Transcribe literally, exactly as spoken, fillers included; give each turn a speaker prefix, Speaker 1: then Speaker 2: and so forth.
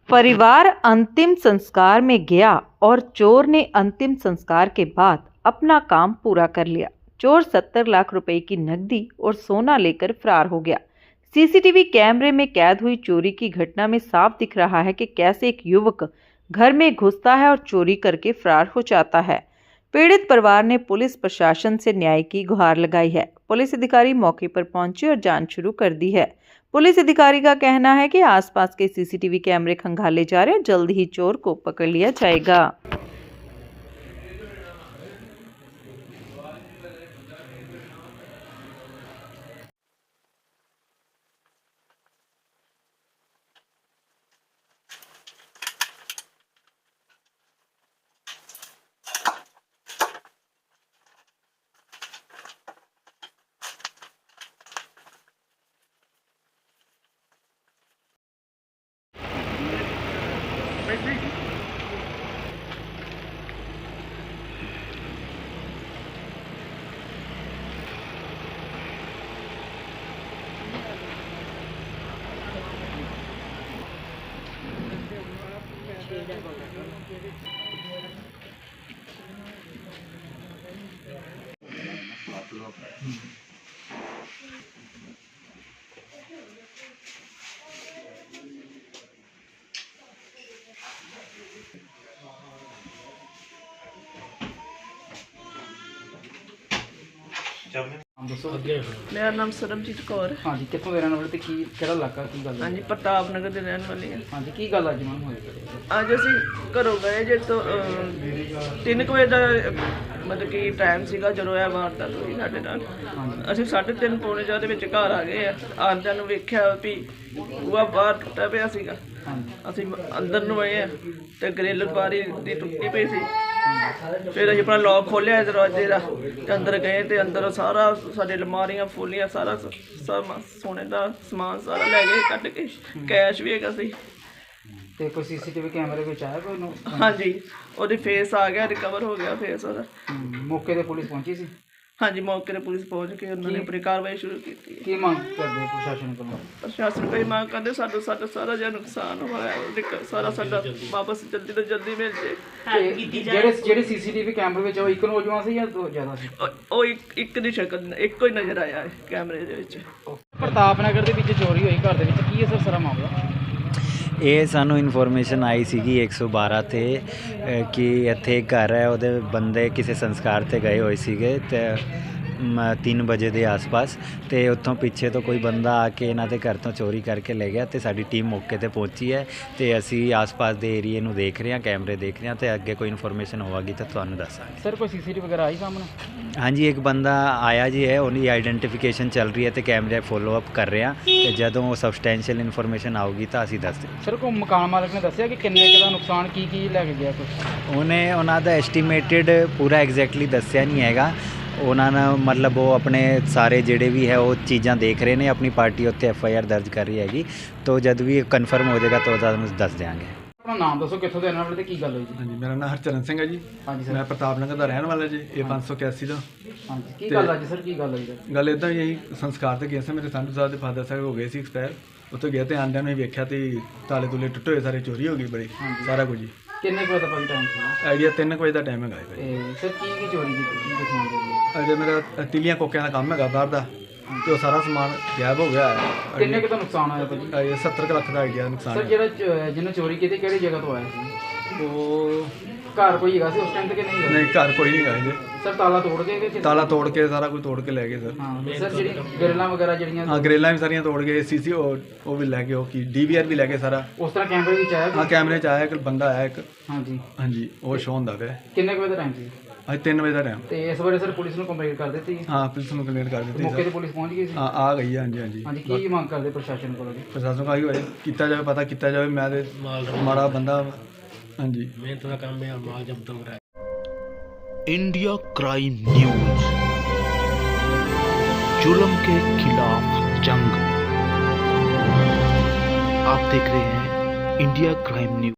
Speaker 1: परिवार अंतिम संस्कार में गया और चोर ने अंतिम संस्कार के बाद अपना काम पूरा कर लिया। चोर सत्तर लाख रुपए की नकदी और सोना लेकर फरार हो गया। सीसीटीवी कैमरे में कैद हुई चोरी की घटना में साफ दिख रहा है कि कैसे एक युवक घर में घुसता है और चोरी करके फरार हो जाता है। पीड़ित परिवार ने पुलिस प्रशासन से न्याय की गुहार लगाई है। पुलिस अधिकारी मौके पर पहुंचे और जांच शुरू कर दी है। पुलिस अधिकारी का कहना है कि आसपास के सीसीटीवी कैमरे खंगाले जा रहे हैं, जल्द ही चोर को पकड़ लिया जाएगा।
Speaker 2: ਨਾਮ ਦੱਸੋ।
Speaker 3: ਮੇਰਾ ਨਾਮ ਸਰਬਜੀਤ ਕੌਰ ਹੈ।
Speaker 2: ਹਾਂਜੀ, ਕਿੱਥੋਂ ਦੇ ਰਹਿਣ ਵਾਲੇ ਤੇ ਕੀ ਕਿਹੜਾ ਇਲਾਕਾ, ਕੀ ਗੱਲ ਹੈ?
Speaker 3: ਹਾਂਜੀ, ਪ੍ਰਤਾਪ ਨਗਰ ਦੇ ਰਹਿਣ ਵਾਲੇ ਹਾਂ।
Speaker 2: ਹਾਂਜੀ, ਕੀ ਗੱਲ ਅੱਜ ਮੈਮ ਹੋਈ?
Speaker 3: ਅੱਜ ਅਸੀਂ ਘਰੋਂ ਗਏ ਜੇ ਤੋਂ ਅਹ, ਤਿੰਨ ਕੁ ਵਜੇ ਦਾ ਅਹ, ਮਤਲਬ ਕਿ ਟਾਈਮ ਸੀਗਾ ਜਦੋਂ ਇਹ ਵਾਰਦਾਤ ਹੋਈ ਸਾਡੇ ਨਾਲ। ਅਸੀਂ ਸਾਢੇ ਤਿੰਨ ਪੌਣੇ ਚਾਰ ਦੇ ਵਿੱਚ ਘਰ ਆ ਗਏ ਆ। ਆਉਂਦਿਆਂ ਨੂੰ ਵੇਖਿਆ ਵੀ ਬੂਹਾ ਬਾਹਰ ਟੁੱਟਾ ਪਿਆ ਸੀਗਾ। ਅਸੀਂ ਅੰਦਰ ਨੂੰ ਆਏ ਆ ਤੇ ਗ੍ਰਿਲ ਬਾਰੀ ਦੀ ਟੁੱਟੀ ਪਈ ਸੀ। ਫਿਰ ਅਸੀਂ ਆਪਣਾ ਲੌਕ ਖੋਲ੍ਹਿਆ ਦਰਵਾਜ਼ੇ ਦਾ ਤੇ ਅੰਦਰ ਗਏ ਤੇ ਅੰਦਰ ਸਾਰਾ ਸਾਡੇ ਅਲਮਾਰੀਆਂ ਫੁੱਲੀਆਂ, ਸਾਰਾ ਸਭ ਸੋਨੇ ਦਾ ਸਮਾਨ ਸਾਰਾ ਲੈ ਗਏ ਕੱਢ ਕੇ। ਕੈਸ਼ ਵੀ ਹੈਗਾ ਸੀ।
Speaker 2: ਤੇ ਕੋਈ ਸੀਸੀਟੀਵੀ ਕੈਮਰੇ ਵਿੱਚ ਆਇਆ ਕੋਈ ਨੂੰ?
Speaker 3: ਹਾਂਜੀ, ਉਹਦੇ ਫੇਸ ਆ ਗਿਆ, ਰਿਕਵਰ ਹੋ ਗਿਆ ਫੇਸ ਉਹਦਾ।
Speaker 2: ਮੌਕੇ ਤੇ ਪੁਲਿਸ ਪਹੁੰਚੀ ਸੀ?
Speaker 3: ਹਾਂਜੀ, ਮੌਕੇ ਤੇ ਪੁਲਿਸ ਪਹੁੰਚ ਕੇ ਉਹਨਾਂ ਨੇ ਆਪਣੀ ਕਾਰਵਾਈ ਸ਼ੁਰੂ ਕੀਤੀ।
Speaker 2: ਕੀ ਮੰਗ ਕਰਦੇ ਪ੍ਰਸ਼ਾਸਨ ਕੋਲੋਂ?
Speaker 3: ਪ੍ਰਸ਼ਾਸਨ ਕੋਈ ਮੰਗ ਕਰਦੇ ਸਾਡਾ ਸਾਡਾ ਸਾਰਾ ਜਿਹਾ ਨੁਕਸਾਨ ਹੋਇਆ, ਉਹਦੇ ਕ- ਸਾਰਾ ਸਾਡਾ ਵਾਪਸ ਜਲਦੀ ਤੋਂ ਜਲਦੀ ਮਿਲ ਜੇ।
Speaker 2: ਤੇ ਜਿਹੜੇ ਜਿਹੜੇ ਸੀਸੀਟੀਵੀ ਕੈਮਰੇ ਵਿੱਚ ਉਹ ਇੱਕ ਨੌਜਵਾਨ ਸੀ ਜਾਂ ਦੋ ਜ਼ਿਆਦਾ ਸੀ?
Speaker 3: ਉਹ- ਉਹ ਇੱਕ ਇੱਕ ਦੀ ਸ਼ਕਲ ਇੱਕੋ ਹੀ ਨਜ਼ਰ ਆਇਆ ਹੈ ਕੈਮਰੇ ਦੇ ਵਿੱਚ।
Speaker 2: ਪ੍ਰਤਾਪ ਨਗਰ ਦੇ ਵਿੱਚ ਚੋਰੀ ਹੋਈ ਘਰ ਦੇ ਵਿੱਚ, ਕੀ ਹੈ ਸਰ ਸਾਰਾ ਮਾਮਲਾ?
Speaker 4: ਇਹ ਸਾਨੂੰ ਇਨਫੋਰਮੇਸ਼ਨ ਆਈ ਸੀਗੀ ਇੱਕ ਸੌ ਬਾਰਾਂ 'ਤੇ ਅ, ਕਿ ਇੱਥੇ ਇੱਕ ਘਰ ਹੈ, ਉਹਦੇ ਬੰਦੇ ਕਿਸੇ ਸੰਸਕਾਰ 'ਤੇ ਗਏ ਹੋਏ ਸੀਗੇ ਤੇ ਤਿੰਨ ਵਜੇ ਦੇ ਆਸ-ਪਾਸ, ਅਤੇ ਉੱਥੋਂ ਪਿੱਛੇ ਤੋਂ ਕੋਈ ਬੰਦਾ ਆ ਕੇ ਇਹਨਾਂ ਦੇ ਘਰ ਤੋਂ ਚੋਰੀ ਕਰਕੇ ਲੈ ਗਿਆ। ਅਤੇ ਸਾਡੀ ਟੀਮ ਮੌਕੇ 'ਤੇ ਪਹੁੰਚੀ ਹੈ ਅਤੇ ਅਸੀਂ ਆਸ-ਪਾਸ ਦੇ ਏਰੀਏ ਨੂੰ ਦੇਖ ਰਹੇ ਹਾਂ, ਕੈਮਰੇ ਦੇਖ ਰਹੇ ਹਾਂ, ਅਤੇ ਅੱਗੇ ਕੋਈ ਇਨਫੋਰਮੇਸ਼ਨ ਹੋਵੇਗੀ ਤਾਂ ਤੁਹਾਨੂੰ ਦੱਸਾਂਗੇ।
Speaker 2: ਸਰ ਕੋਈ ਸੀਸੀਟੀਵੀ ਵਗੈਰਾ ਆਈ ਸਾਹਮਣੇ?
Speaker 4: ਹਾਂਜੀ, ਇੱਕ ਬੰਦਾ ਆਇਆ ਜੀ ਹੈ, ਉਹਦੀ ਆਈਡੈਂਟੀਫਿਕੇਸ਼ਨ ਚੱਲ ਰਹੀ ਹੈ ਅਤੇ ਕੈਮਰੇ ਫੋਲੋ ਅਪ ਕਰ ਰਹੇ ਹਾਂ, ਅਤੇ ਜਦੋਂ ਉਹ ਸਬਸਟੈਂਸ਼ੀਅਲ ਇਨਫੋਰਮੇਸ਼ਨ ਆਊਗੀ ਤਾਂ ਅਸੀਂ ਦੱਸ ਦਿਆਂਗੇ।
Speaker 2: ਸਰ ਕੋਈ ਮਕਾਨ ਮਾਲਕ ਨੇ ਦੱਸਿਆ ਕਿ ਕਿੰਨੇ ਕੁ ਦਾ ਨੁਕਸਾਨ, ਕੀ ਕੀ ਲੈ ਕੇ ਗਿਆ ਕੁਛ?
Speaker 4: ਉਹਨੇ ਉਹਨਾਂ ਦਾ ਐਸਟੀਮੇਟਿਡ ਪੂਰਾ ਐਗਜ਼ੈਕਟਲੀ ਦੱਸਿਆ ਨਹੀਂ ਹੈਗਾ। ਉਹਨਾਂ ਨੇ ਮਤਲਬ ਉਹ ਆਪਣੇ ਸਾਰੇ ਜਿਹੜੇ ਵੀ ਹੈ ਉਹ ਚੀਜ਼ਾਂ ਦੇਖ ਰਹੇ ਨੇ, ਆਪਣੀ ਪਾਰਟੀ ਉੱਤੇ ਐਫ ਆਈ ਆਰ ਦਰਜ ਕਰ ਰਹੀ ਹੈਗੀ, ਤਾਂ ਜਦ ਵੀ ਕਨਫਰਮ ਹੋ ਜਾਏਗਾ ਤਾਂ ਤੁਹਾਨੂੰ ਦੱਸ ਦਿਆਂਗੇ।
Speaker 2: ਆਪਣਾ ਨਾਮ ਦੱਸੋ, ਕਿੱਥੋਂ ਦੇ ਰਹਿਣ ਵਾਲੇ ਤੇ ਕੀ ਗੱਲ ਹੋਈ ਜੀ?
Speaker 5: ਹਾਂਜੀ, ਮੇਰਾ ਨਾਮ ਹਰਚਰਨ ਸਿੰਘ ਹੈ ਜੀ।
Speaker 2: ਹਾਂਜੀ ਸਰ।
Speaker 5: ਮੈਂ ਪ੍ਰਤਾਪ ਨਗਰ ਦਾ ਰਹਿਣ ਵਾਲਾ ਜੀ, ਇਹ ਪੰਜ ਸੌ ਇਕਿਆਸੀ ਦਾ।
Speaker 2: ਹਾਂਜੀ, ਕੀ ਗੱਲ ਅੱਜ ਸਰ, ਕੀ ਗੱਲ ਹੋਈ ਸਰ?
Speaker 5: ਗੱਲ ਇੱਦਾਂ ਹੀ ਅਸੀਂ ਸੰਸਕਾਰ ਤੇ ਗਏ ਸੀ, ਮੇਰੇ ਸੰਧੂ ਸਾਹਿਬ ਦੇ ਫਾਦਰ ਸਾਹਿਬ ਹੋ ਗਏ ਸੀ ਐਕਸਪਾਇਰ। ਉੱਥੇ ਗਏ ਤੇ ਆਂਦਿਆਂ ਨੂੰ ਹੀ ਵੇਖਿਆ ਤੇ ਤਾਲੇ ਤੁਲੇ ਟੁੱਟੇ ਹੋਏ, ਸਾਰੇ ਚੋਰੀ ਹੋ ਗਈ ਬੜੀ, ਸਾਰਾ ਕੁਝ ਜੀ।
Speaker 2: ਕਿੰਨੇ ਕੁ ਵਜੇ ਦਾ ਭਾਈ ਟਾਈਮ ਸੀ?
Speaker 5: ਆਈਡੀਆ ਤਿੰਨ ਕੁ ਵਜੇ ਦਾ ਟਾਈਮ ਹੈਗਾ ਜੀ।
Speaker 2: ਤੇ ਸਰ ਕੀ ਕੀ ਚੋਰੀ ਕੀਤੀ, ਕੀ ਦਿਖਾਉਣ ਦੇ?
Speaker 5: ਅਜੇ ਮੇਰਾ ਤਿਲੀਆਂ ਕੋਕਿਆਂ ਦਾ ਕੰਮ ਹੈਗਾ ਬਾਹਰ ਦਾ, ਤੇ ਉਹ ਸਾਰਾ ਸਮਾਨ ਗਾਇਬ ਹੋ ਗਿਆ ਹੈ।
Speaker 2: ਕਿੰਨੇ ਕੁ ਦਾ ਨੁਕਸਾਨ ਹੋਇਆ ਭਾਜੀ?
Speaker 5: ਇਹ ਸੱਤਰ ਕੁ ਲੱਖ ਦਾ ਆਈਡੀਆ ਨੁਕਸਾਨ
Speaker 2: ਸਰ
Speaker 5: ਹੈ।
Speaker 2: ਜਿਹੜਾ ਚ- ਜਿਹਨੇ ਚੋਰੀ ਕੀਤੀ ਕਿਹੜੀ ਜਗ੍ਹਾ ਤੋਂ ਆਇਆ ਸੀ?
Speaker 5: ਉਹ
Speaker 2: ਘਰ ਕੋਈ ਹੈਗਾ ਸੀ ਉਸ ਟਾਈਮ ਤੇ ਕਿ ਨਹੀਂ?
Speaker 5: ਨਹੀਂ, ਘਰ ਕੋਈ ਨਹੀਂ ਹੈਗਾ ਜੀ।
Speaker 2: ਸਰ ਤਾਲਾ ਤੋੜ ਕੇ ਕਿ ਕਿਸ-
Speaker 5: ਤਾਲਾ ਤੋੜ ਕੇ ਸਾਰਾ ਕੁਝ ਤੋੜ ਕੇ ਲੈ ਗਏ ਸਰ।
Speaker 2: ਹਾਂ ਸਰ, ਜਿਹੜੀ ਗਰਲਾਂ ਵਗੈਰਾ ਜਿਹੜੀਆਂ
Speaker 5: ਹਾਂ, ਗਰੇਲਾਂ ਵੀ ਸਾਰੀਆਂ ਤੋੜ ਗਏ, ਸੀਸੀ ਉਹ ਵੀ ਲੈ ਗਏ, ਉਹ ਕੀ ਡੀ ਵੀ ਆਰ ਵੀ ਲੈ ਗਏ ਸਾਰਾ।
Speaker 2: ਉਸ ਤਰ੍ਹਾਂ ਕੈਮਰੇ ਵਿੱਚ ਆਇਆ
Speaker 5: ਹਾਂ,
Speaker 2: ਕੋਈ?
Speaker 5: ਕੈਮਰੇ 'ਚ ਆਇਆ ਇੱਕ ਬੰਦਾ ਆਇਆ ਇੱਕ।
Speaker 2: ਹਾਂਜੀ,
Speaker 5: ਹਾਂਜੀ, ਉਹ ਸ਼ੋਅ ਹੁੰਦਾ ਪਿਆ।
Speaker 2: ਕਿੰਨੇ ਕੁ ਵਜੇ ਦਾ ਟਾਈਮ ਸੀ?
Speaker 5: ਅੱਜ ਤਿੰਨ ਵਜੇ ਦਾ ਟਾਈਮ।
Speaker 2: ਤੇ ਇਸ ਬਾਰੇ ਸਰ ਪੁਲਿਸ ਨੂੰ ਕੰਪਲੇਂਟ ਕਰ ਦਿੱਤੀ?
Speaker 5: ਹਾਂ, ਪੁਲਿਸ ਨੂੰ ਕੰਪਲੇਂਟ ਕਰ ਦਿੱਤੀ
Speaker 2: ਮੌਕੇ ਤੇ
Speaker 5: ਸਰ।
Speaker 2: ਪੁਲਿਸ ਪਹੁੰਚ ਗਈ ਸੀ?
Speaker 5: ਹਾਂ, ਆ ਗਈ ਹੈ। ਹਾਂਜੀ ਹਾਂਜੀ
Speaker 2: ਹਾਂਜੀ, ਕੀ ਮੰਗ ਕਰਦੇ ਪ੍ਰਸ਼ਾਸਨ ਕੋਲੋਂ ਜੀ?
Speaker 5: ਪ੍ਰਸ਼ਾਸਨ ਕਹੀ ਹੋਏ ਕੀਤਾ ਜਾਵੇ, ਪਤਾ ਕੀਤਾ ਜਾਵੇ। ਮੈਂ ਤੇ ਮਾੜਾ ਬੰਦਾ। ਹਾਂਜੀ,
Speaker 6: ਮਿਹਨਤ ਦਾ ਕੰਮ ਹੈ, ਮਾਲ ਜਬਤ ਹੋ ਰਿਹਾ ਹੈ।
Speaker 7: इंडिया क्राइम न्यूज, जुल्म के खिलाफ जंग। आप देख रहे हैं इंडिया क्राइम न्यूज।